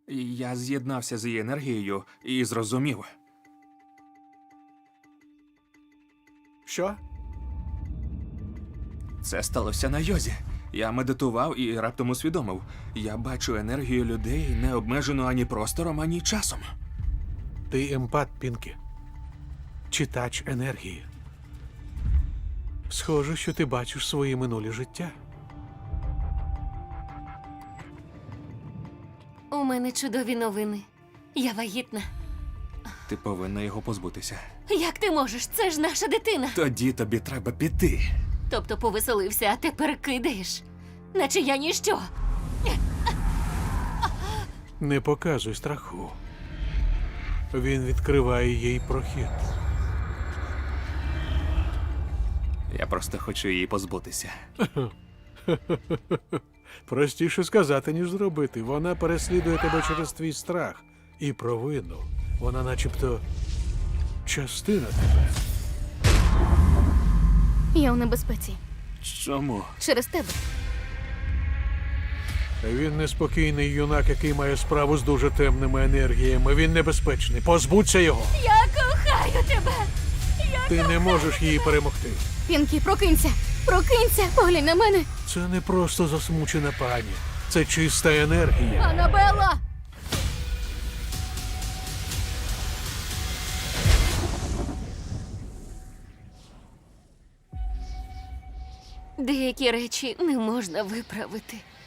Я з'єднався з її енергією і зрозумів. Що? Це сталося на йозі. Я медитував і раптом усвідомив. Я бачу енергію людей, не обмежену ані простором, ані часом. Ти емпат, Пінкі. Читач енергії. Схоже, що ти бачиш свої минулі життя. У мене чудові новини. Я вагітна. Ти повинна його позбутися. Як ти можеш? Це ж наша дитина. Тоді тобі треба піти. Тобто повеселився, а тепер кидаєш. Наче я ніщо. Не показуй страху. Він відкриває їй прохід. Я просто хочу її позбутися. Простіше сказати, ніж зробити. Вона переслідує тебе через твій страх і провину. Вона начебто частина тебе. Я у небезпеці. Чому? Через тебе. Він неспокійний юнак, який має справу з дуже темними енергіями. Він небезпечний. Позбудься його. Я кохаю тебе! Ти не можеш її перемогти. Пінкі, прокинься! Прокинься! Поглянь на мене! Це не просто засмучена пані. Це чиста енергія. Анабелла! Деякі речі не можна виправити.